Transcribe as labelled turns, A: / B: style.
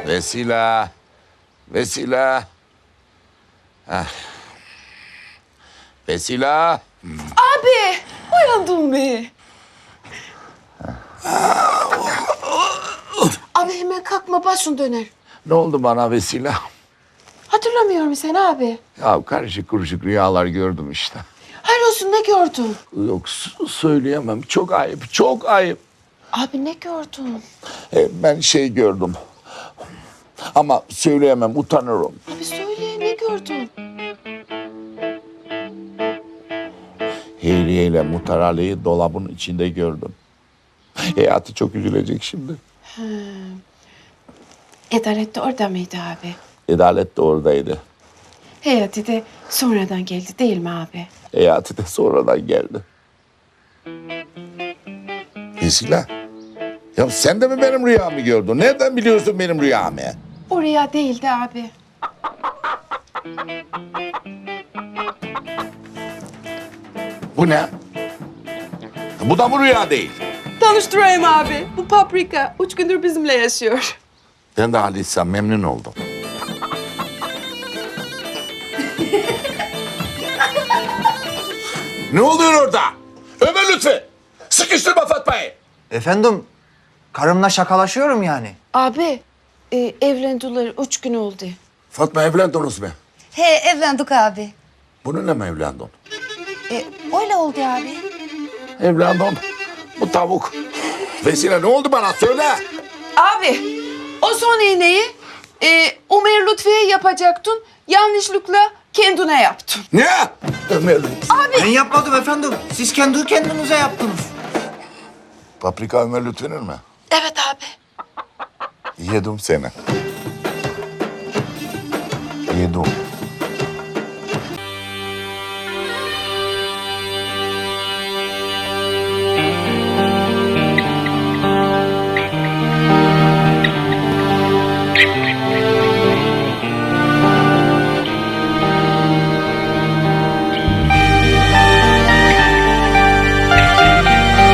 A: Vesile. Vesile. Ah. Vesile.
B: Abi, uyandın mı? Abi hemen kalkma, başın döner.
A: Ne oldu bana Vesile?
B: Hatırlamıyor musun sen abi?
A: Ya karışık kuruşuk rüyalar gördüm işte.
B: Hayır olsun, ne gördün?
A: Yok söyleyemem. Çok ayıp, çok ayıp.
B: Abi ne gördün?
A: Ben şey gördüm. Ama söyleyemem, utanırım.
B: Abi söyle, ne gördün?
A: Heyriye ile Mutarali'yi dolabın içinde gördüm. Hayatı çok üzülecek şimdi.
B: Adalet de orada mıydı abi?
A: Adalet de oradaydı.
B: Hayati de sonradan geldi değil mi abi?
A: Hayatı da sonradan geldi. Vesile. Ya sen de mi benim rüyamı gördün? Nereden biliyorsun benim rüyamı?
B: Oraya değildi abi.
A: Bu ne? Bu da mı rüya değil?
B: Tanıştırayım abi. Bu Paprika 3 gündür bizimle yaşıyor.
A: Ben de Halis'ten memnun oldum. Ne oluyor orada? Ömer Lütfi! Sıkıştırma Fatma'yı!
C: Efendim, karımla şakalaşıyorum yani.
B: Abi, evlendiler 3 gün oldu.
A: Fatma evlendiniz mi?
D: He evlendik abi.
A: Bununla mı evlendin?
D: Öyle oldu abi.
A: Evlendim. Bu tavuk. Vesile ne oldu bana söyle.
B: Abi, o son iğneyi Ömer Lütfi'ye yapacaktın. Yanlışlıkla kendine yaptın.
A: Ne? Ömer Lütfi.
C: Ben yapmadım efendim. Siz kendi kendinize yaptınız.
A: Paprika Ömer Lütfi'nin mi?
B: Evet abi.
A: Yedim seni. Yedim.